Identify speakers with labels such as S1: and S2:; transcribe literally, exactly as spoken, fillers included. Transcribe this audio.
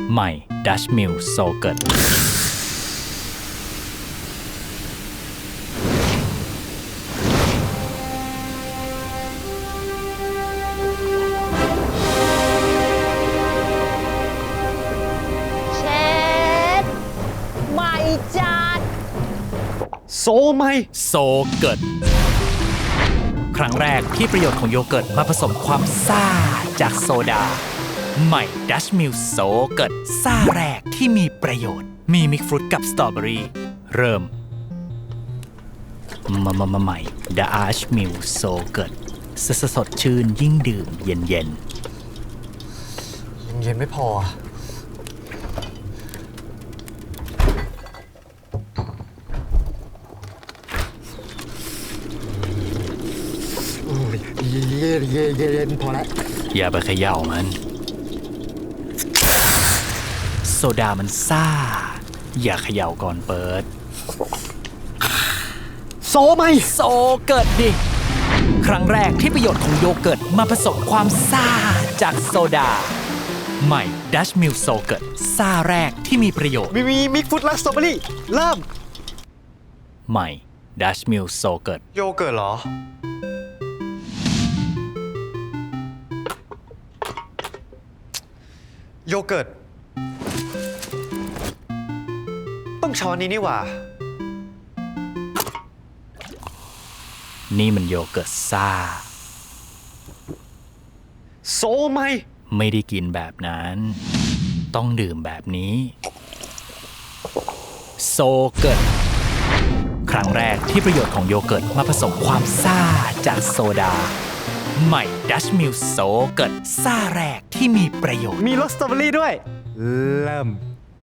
S1: ใหม่ Dutch Mill Yogurt
S2: เชดใหม่จัด
S3: โซไหม
S1: โซเกิร์ตครั้งแรกที่ประโยชน์ของโยเกิร์ตมาผสมความซ่าจากโซดาใหม่ Dutch Mill Yogurt ซ่าแรกที่มีประโยชน์ มีมิกฟรุตกับสตรอเบอรี่เริ่มมามามาใหม่ Dutch Mill Yogurt สดสดชื่นยิ่งดื่มเย็นเย็น
S3: ยังเย็นไม่พอ โอ้ยเย็นเย็นเย็นเย็นพอแล้ว
S1: อย่าไปเขย่ามัน โซดามันซ่า อย่าเขย่าก่อนเปิด
S3: โซไหม
S1: โซเกิร์ตดิ ครั้งแรกที่ประโยชน์ของโยเกิร์ตมาผสมความซ่าจากโซดา ใหม่ Dutch Mill Yogurt ซ่าแรกที่มีประโยชน์
S3: มีมีมิกฟุตและสตรอเบอรี่เริ่ม
S1: ใหม่ Dutch Mill Yogurt
S3: โยเกิร์ตเหรอ โยเกิร์ต ต้องช้อนนี้นี่หว่า
S1: นี่มันโยเกิร์ตซ่า
S3: โซไหม
S1: ไม่ได้กินแบบนั้น ต้องดื่มแบบนี้ โซเกิร์ต ครั้งแรกที่ประโยชน์ของโยเกิร์ตมาผสมความซ่าจากโซดา ใหม่ Dutch Mill Yogurt ซ่าแรกที่มีประโยชน์
S3: มีรสสตรอเบอรี่ด้วย เริ่ม